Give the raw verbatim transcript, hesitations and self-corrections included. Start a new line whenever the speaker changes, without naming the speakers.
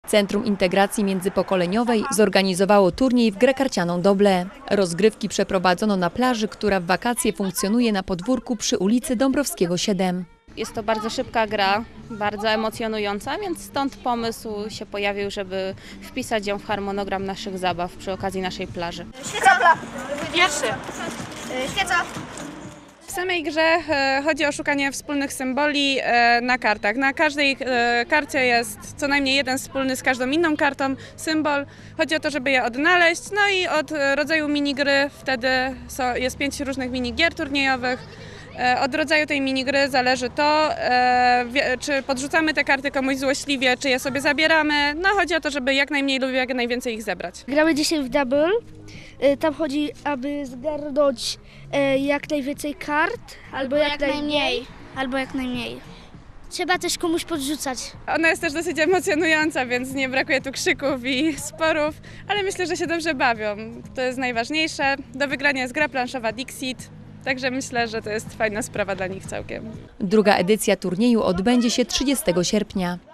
Centrum Integracji Międzypokoleniowej zorganizowało turniej w grę karcianą doble. Rozgrywki przeprowadzono na plaży, która w wakacje funkcjonuje na podwórku przy ulicy Dąbrowskiego siedem.
Jest to bardzo szybka gra, bardzo emocjonująca, więc stąd pomysł się pojawił, żeby wpisać ją w harmonogram naszych zabaw przy okazji naszej plaży.
Świeca! Pierwszy. Świeca!
W samej grze e, chodzi o szukanie wspólnych symboli e, na kartach. Na każdej e, karcie jest co najmniej jeden wspólny z każdą inną kartą symbol. Chodzi o to, żeby je odnaleźć. No i od e, rodzaju minigry wtedy so, jest pięć różnych minigier turniejowych. E, od rodzaju tej minigry zależy to, e, wie, czy podrzucamy te karty komuś złośliwie, czy je sobie zabieramy. No chodzi o to, żeby jak najmniej lub jak najwięcej ich zebrać.
Gramy dzisiaj w double. Tam chodzi, aby zgarnąć jak najwięcej kart, albo, albo jak, jak najmniej, albo jak najmniej. Trzeba też komuś podrzucać.
Ona jest też dosyć emocjonująca, więc nie brakuje tu krzyków i sporów, ale myślę, że się dobrze bawią. To jest najważniejsze. Do wygrania jest gra planszowa Dixit, także myślę, że to jest fajna sprawa dla nich całkiem.
Druga edycja turnieju odbędzie się trzydziestego sierpnia.